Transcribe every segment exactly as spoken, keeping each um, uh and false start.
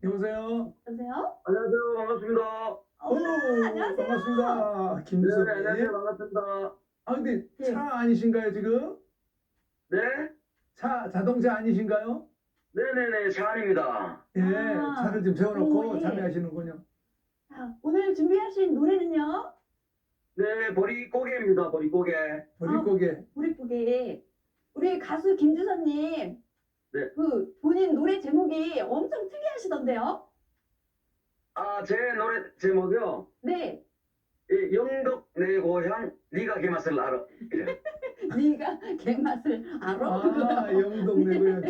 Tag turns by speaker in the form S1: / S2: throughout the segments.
S1: 여보세요?
S2: 여보세요?
S3: 안녕하세요. 반갑습니다.
S2: 어,
S1: 오,
S2: 안녕하세요.
S1: 반갑습니다.
S3: 네,
S1: 김주섭님.
S3: 안녕하세요. 반갑습니다.
S1: 아, 근데
S2: 네.
S1: 차 아니신가요, 지금?
S3: 네?
S1: 차, 자동차 아니신가요?
S3: 네네네, 샤안입니다.
S1: 예,
S2: 아,
S1: 차를 좀 세워놓고
S2: 오, 예.
S1: 참여하시는군요.
S2: 자, 오늘 준비하신 노래는요?
S3: 네, 보릿고개입니다. 보릿고개.
S1: 보릿고개.
S2: 보릿고개. 우리 가수 김주선님,
S3: 네.
S2: 그 본인 노래 제목이 엄청 특이하시던데요?
S3: 아, 제 노래 제목이요.
S2: 네.
S3: 이 영덕 내 고향, 네가 그 맛을 알아. 이래요.
S2: 네가 개맛을 알아?
S1: 아, 영동 내 고향.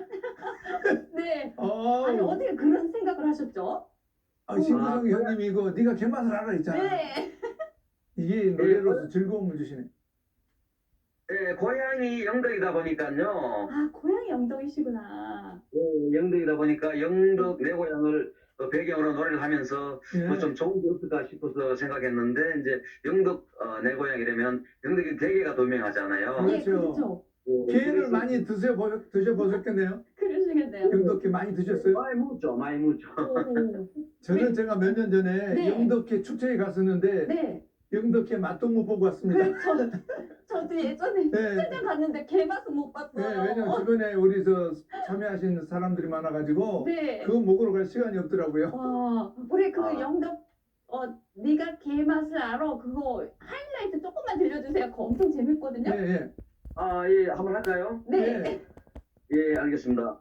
S2: 네.
S1: 아,
S2: 아니, 어떻게 그런 생각을 하셨죠?
S1: 아, 신구성
S3: 아,
S1: 형님이 이거 네가 개맛을 알아 했잖아.
S2: 네.
S1: 이게 노래로서 즐거움을 주시네.
S3: 네, 고향이 영덕이다 보니까요.
S2: 아, 고향이 영덕이시구나.
S3: 네, 영덕이다 보니까 영덕 내 고향을 어, 배경으로 노래를 하면서
S1: 예.
S3: 뭐 좀 좋은 게 없을까 싶어서 생각했는데, 이제 영덕 어, 내 고향이라면 영덕이 대게가 더 유명하잖아요.
S2: 예,
S1: 그렇죠.
S2: 그렇죠.
S3: 네,
S1: 게를
S3: 그래서
S1: 많이 드셔보, 드셔보셨겠네요.
S2: 그러시겠네요.
S1: 영덕게 많이 드셨어요?
S3: 많이 묻죠, 많이 묻죠.
S2: 오,
S1: 저는 제가 몇 년 전에
S2: 네.
S1: 영덕회 축제에 갔었는데
S2: 네.
S1: 영덕회 맛도 못 보고 왔습니다.
S2: 그, 저, 저도 예전에
S1: 네.
S2: 출장 갔는데 개맛은 못 봤어요.
S1: 네, 왜냐면 주변에 우리 저 참여하시는 사람들이 많아가지고
S2: 네.
S1: 그거 먹으러 갈 시간이 없더라고요.
S2: 와, 우리 그
S3: 아.
S2: 영덕, 어, 네가 개맛을 알아. 그거 하이라이트 조금만 들려주세요. 그거 엄청 재밌거든요.
S1: 예, 예.
S3: 아, 예, 한번 할까요?
S2: 네.
S1: 예.
S3: 예, 알겠습니다.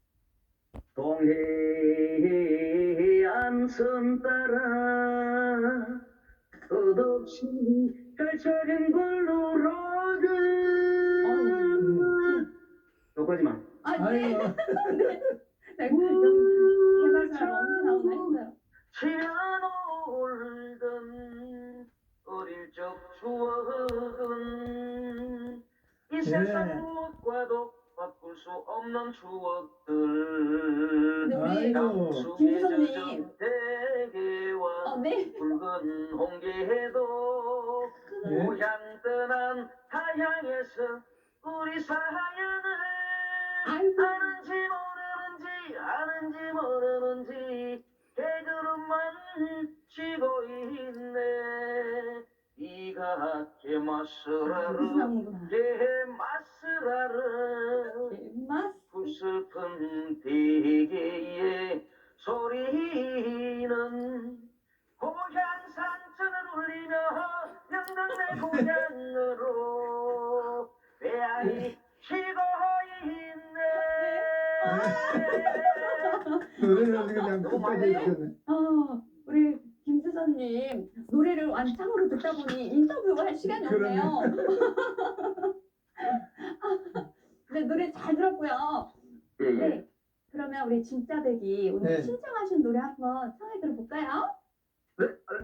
S3: 동해안 선 따라 끝없이 펼쳐진 블루로드. 여기까지만.
S2: 아, 네.
S1: 아이고.
S2: 네. 네. 개맛을 알아. 언제 나오나 했어요.
S3: 치며 놀던 어릴 적 추억은 이 세상 무엇과도 바꿀 수 없는 추억들.
S2: 근데 우리
S1: 아이고.
S2: 김수선님.
S3: 대게와
S2: 어, 네.
S3: 붉은 홍게도
S1: 네.
S3: 고향 떠난 타향에서 우리 사연을
S2: 아이고.
S3: 아는지 모르는지 아는지 모르는지 개그룹만 치고 있네. 네가 개맛을 알아,
S2: 이상구나.
S3: 개맛을 알아.
S2: 개맛.
S3: 그 슬픈 대게의 소리는 고향 산천을 울리며 영덕 내 고향으로 배아리 치고 있네.
S1: 노래를 그냥 끝까지 해주셨네.
S2: 어, 우리 김수선님 노래를 완창으로 듣다 보니 인터뷰할 시간이
S1: 그러네.
S2: 없네요. 네, 노래 잘 들었고요.
S3: 예, 예.
S2: 네. 그러면 우리 진짜 배기 오늘
S1: 네.
S2: 신청하신 노래 한번 청해 들어볼까요?
S3: 네,